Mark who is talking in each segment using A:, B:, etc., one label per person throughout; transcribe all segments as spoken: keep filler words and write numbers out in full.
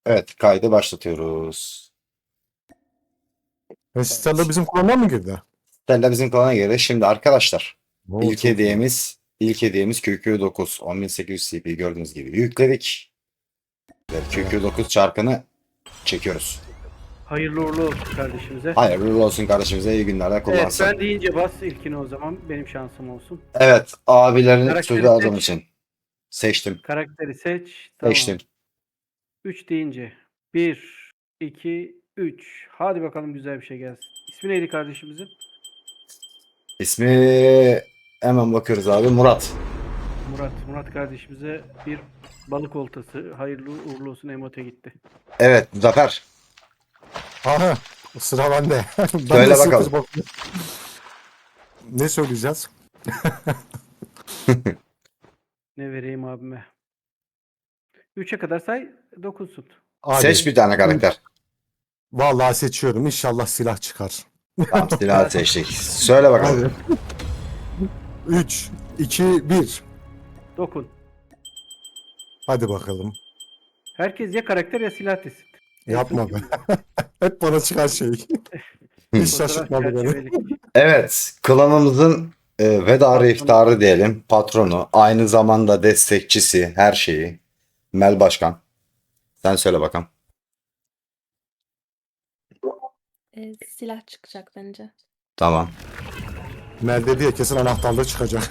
A: Evet, kaydı başlatıyoruz.
B: E, Stella bizim klana mı girdi?
A: Stella bizim klana girdi. Şimdi arkadaşlar,
B: Oo,
A: ilk
B: çok iyi.
A: hediyemiz ilk hediyemiz Q Q dokuz on bin sekiz yüz C P gördüğünüz gibi yükledik. Ve Q Q dokuz çarkını çekiyoruz.
C: Hayırlı uğurlu olsun kardeşimize.
A: Hayırlı uğurlu olsun kardeşimize, iyi günlerde
C: Evet,
A: kullansın.
C: ben deyince bas ilkini o zaman. Benim şansım olsun.
A: Evet, abilerin
C: Karakteri
A: sözü aldığım
C: seç.
A: için seçtim.
C: Karakteri seç. Tamam.
A: Seçtim.
C: üç deyince. bir, iki, üç. Hadi bakalım güzel bir şey gelsin. İsmi neydi kardeşimizin?
A: İsmi hemen bakıyoruz abi. Murat.
C: Murat. Murat kardeşimize bir balık oltası. Hayırlı uğurlu olsun emote gitti.
A: Evet, Zafer.
B: Aha, sıra bende. Ben
A: Söyle
B: de
A: bakalım.
B: sıfır bakıyorum. Ne söyleyeceğiz?
C: Ne vereyim abime? üçe kadar say. dokunsun.
B: Hadi.
A: Seç bir tane karakter.
B: Vallahi seçiyorum. İnşallah silah çıkar.
A: Tamam, silah seçtik. Söyle bakalım.
B: Hadi. üç, iki, bir.
C: Dokun.
B: Hadi bakalım.
C: Herkes ya karakter ya silah desin. En
B: Yapma
C: son
B: be.
C: kim?
B: Hep bana çıkan şey. Hiç
C: Fotoğraf
B: şaşırtmadı beni.
C: çerçevelik.
A: Evet, klanımızın e, vedarı iftarı diyelim, patronu, aynı zamanda destekçisi, her şeyi. Mel Başkan. Sen söyle bakalım.
D: Ee, silah çıkacak bence.
A: Tamam.
B: Mel dedi ya kesin anahtarlığı çıkacak.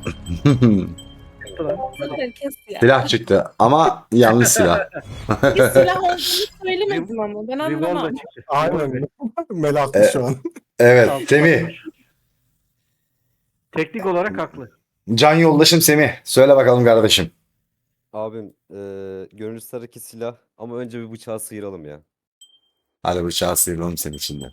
C: Ulan,
D: Bu sefer kes ya.
A: Silah çıktı ama yanlış silah.
D: Bir silah olduğunu söylemedim ama ben
C: Revolver
D: anlamam.
C: çıktı.
B: Aynen. Mel haklı
A: E-
B: şu an.
A: Evet,
C: Altı
A: Semih.
C: bakmış. Teknik olarak haklı.
A: Can yoldaşım Semih. Söyle bakalım kardeşim.
E: Abim eee görünüş sarıki silah ama önce bir bıçağı sıyıralım ya.
A: Hadi bıçağı sıyıralım senin içinden.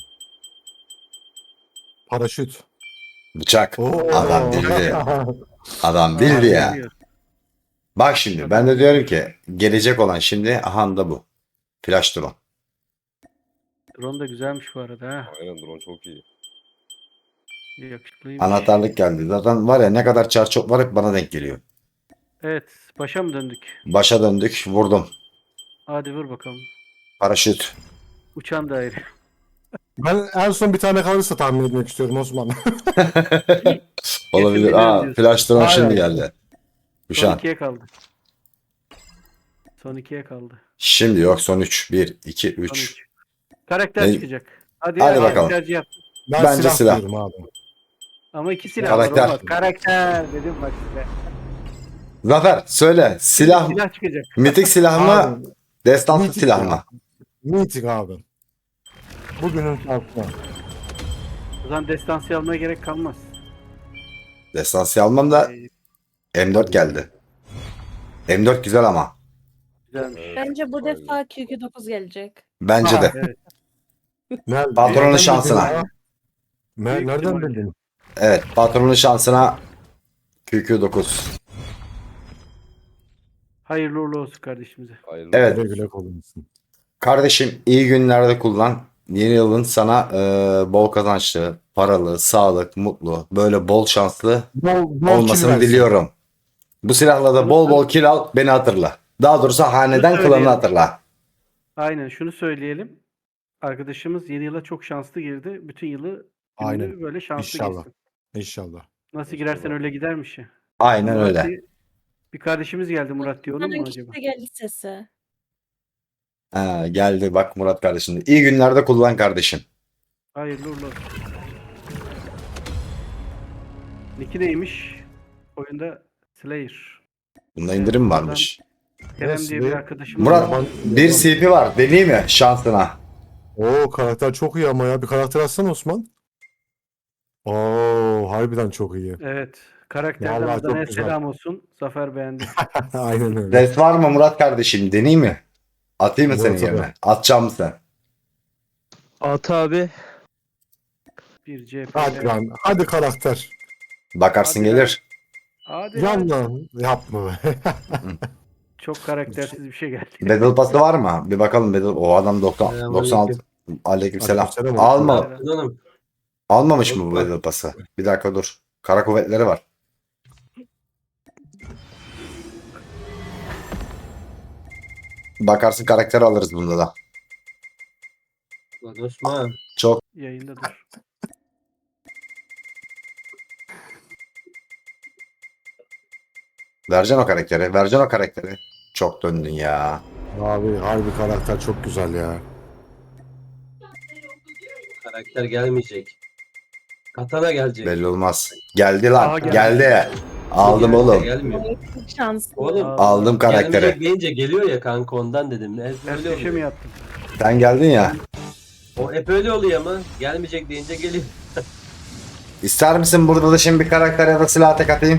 B: Paraşüt.
A: Bıçak.
B: Oo.
A: Adam bildi. Adam
C: Aa,
A: bildi ya.
C: biliyor.
A: Bak şimdi ben de diyorum ki gelecek olan şimdi aha da bu. Flash drone.
C: Drone da güzelmiş bu arada ha.
E: Aynen drone çok iyi.
C: Yakışıklıymış.
A: Anahtarlık geldi. Zaten var ya ne kadar çar çok var hep bana denk geliyor.
C: Evet. Başa mı döndük?
A: Başa döndük, vurdum.
C: Hadi vur bakalım.
A: Paraşüt.
C: Uçan daire.
B: Ben en son bir tane kalırsa tahmin etmek istiyorum Osman.
A: Olabilir.
C: Kesin
A: Aa,
C: biliyorum
A: flash drone şimdi
B: Aynen.
A: geldi.
C: Son
A: Kuşan.
C: ikiye kaldı. Son ikiye kaldı.
A: Şimdi yok son üç. bir, iki,
C: Son
A: üç.
C: üç. Karakter
A: Ne-
C: çıkacak. Hadi,
A: Hadi
C: hadi
A: bakalım.
C: tercih yap.
B: Ben
A: Bence
B: silah,
A: silah.
B: diyorum abi.
C: Ama iki silah
A: Karakter.
C: var olmaz. Karakter dedim bak size.
A: Zafer söyle. Silah,
C: Silah çıkacak.
A: mitik silah mı?
B: Abi,
A: Destansı
B: mitik
A: silah
B: ya.
A: mı?
B: Meeting abi. Bugünün şansına.
C: O zaman destansı almaya gerek kalmaz.
A: Destansı almam da
C: Ee,
A: M dört geldi. M dört güzel ama.
C: güzelmiş.
D: Bence bu
E: Aynen.
D: defa Q Q dokuz gelecek.
A: Bence
B: Aha.
A: de.
C: Evet.
B: Nerede?
A: Patronun
B: Nereden
A: şansına.
B: bildin ya? Mer-
C: Büyük
B: nereden
C: ihtimalle.
B: bildin?
A: Evet. Patronun şansına Q Q dokuz.
C: Hayırlı uğurlu olsun kardeşimize.
E: Hayırlı
A: Evet.
B: Güle güle kullanırsın.
A: Kardeşim iyi günlerde kullan. Yeni yılın sana e, bol kazançlı, paralı, sağlık, mutlu, böyle bol şanslı
B: Bol, bol kill
A: olmasını
B: versin.
A: diliyorum. Bu silahla da bol bol kill al, beni hatırla. Daha doğrusu haneden
C: Şunu
A: klanını
C: söyleyelim.
A: hatırla.
C: Aynen şunu söyleyelim. Arkadaşımız yeni yıla çok şanslı girdi. Bütün yılı gününü
B: Aynen.
C: böyle şanslı
B: İnşallah.
C: geçsin.
B: İnşallah.
C: Nasıl girersen öyle gidermiş ya.
A: Aynen
C: Murat
A: öyle.
C: diye- Bir kardeşimiz geldi Murat diyor. Onun mu
D: Hemen
C: acaba?
D: gitti geldi sesi.
A: Ha, geldi bak Murat kardeşim. İyi günlerde kullan kardeşim.
C: Hayırlı uğurlu olsun. Nick'i neymiş? Oyunda Slayer.
A: Bunda indirim varmış.
C: Kerem
B: Yes,
C: diye bir
B: ve-
C: arkadaşımız
A: Murat
C: var.
A: bir C P var. Deneyeyim mi şansına?
B: Oo karakter çok iyi ama ya. Bir karakter atsana Osman. Oo harbiden çok iyi.
C: Evet. Karakterden
B: Vallahi çok
C: Adana'ya
B: güzel.
C: selam olsun. Zafer beğendi.
B: Aynen öyle.
A: Ses var mı Murat kardeşim? Deneyeyim mi? Atayım mı senin
B: Murat'a
A: yerine?
B: da.
A: Atacağım mı sen?
F: At abi.
C: Bir C P.
B: Hadi lan. Hadi karakter.
A: Bakarsın
C: Hadi
A: gelir.
C: Hadi lan.
B: Yanla. Yapma be.
C: Çok karaktersiz bir şey geldi.
A: Battle Pass'ı var mı? Bir bakalım Battle. O adam doksan, doksan altı. Aleykümselam.
B: Aleykümselam.
A: Alma,
F: Canım.
A: almamış mı bu Battle Pass'ı? Bir dakika dur. Kara kuvvetleri var. bakarsın karakter alırız bunda da.
G: Lan Osman.
A: Çok
C: Yayında dur.
A: vereceksin o karakteri. Vereceksin o karakteri. Çok döndün ya.
B: Abi harbi karakter çok güzel ya.
G: Karakter gelmeyecek. Katana gelecek.
A: Belli olmaz. Geldi lan.
C: Aha,
A: geldi.
C: geldi.
A: Aldım
G: Gelmiyor,
A: oğlum.
G: Gelmiyor.
D: Çok şanslı.
G: Oğlum
C: Aa,
A: Aldım karakteri.
G: gelmeyecek deyince geliyor ya kanka ondan dedim. Hep
C: Ters
G: öyle
C: köşe mi
G: oluyor.
C: yaptın?
A: Sen geldin ya.
G: O hep öyle oluyor ama gelmeyecek deyince geliyor.
A: İster misin burada da şimdi bir karakter ya da silah tek atayım?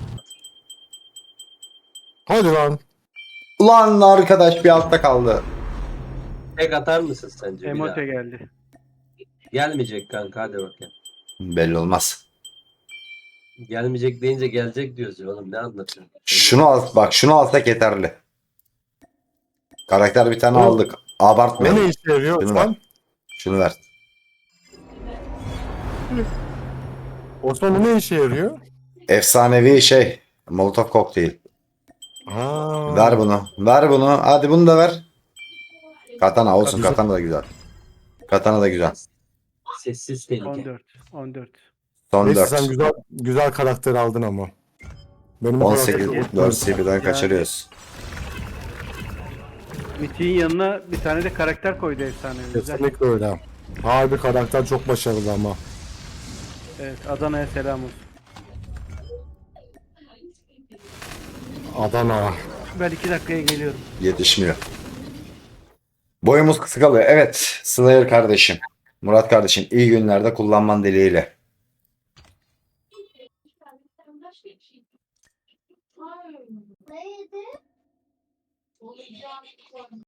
B: Hadi lan.
A: Ulan arkadaş bir altta kaldı.
G: Tek atar mısın sence bir daha?
C: Emote geldi.
G: Gelmeyecek kanka hadi bakayım.
A: Belli olmaz.
G: Gelmeyecek deyince gelecek diyoruz ya oğlum ne anlatıyorsun?
A: Şunu al bak şunu alsak yeterli. Karakter bir tane
B: Oğlum,
A: aldık.
B: O ne
A: Abartmayalım.
B: işe yarıyor
A: Şunu
B: Osman?
A: ver. Şunu ver.
B: Osman o ne işe yarıyor?
A: Efsanevi şey. Molotov kokteyl.
B: Ha.
A: Ver bunu. Ver bunu. Hadi bunu da ver. Katana olsun.
B: Güzel.
A: Katana da güzel. Katana da güzel.
G: Sessiz tehlike.
C: on dört. on dört.
A: Son
B: Neyse
A: dört.
B: sen güzel güzel karakter aldın ama. Benim o
A: on
B: karakter
A: sekiz.
B: çok
A: dört C P'den
C: Yani-
A: kaçırıyoruz.
C: Mythic'in yanına bir tane de karakter koydu efsane. Güzel.
B: Kesinlikle öyle. Harbi karakter çok başarılı ama.
C: Evet, Adana'ya selam olsun.
B: Adana.
C: Ben iki dakikaya geliyorum.
A: Yetişmiyor. Boyumuz kısa kalıyor. Evet. Slayer kardeşim. Murat kardeşim iyi günlerde kullanman dileğiyle.
H: Neydi?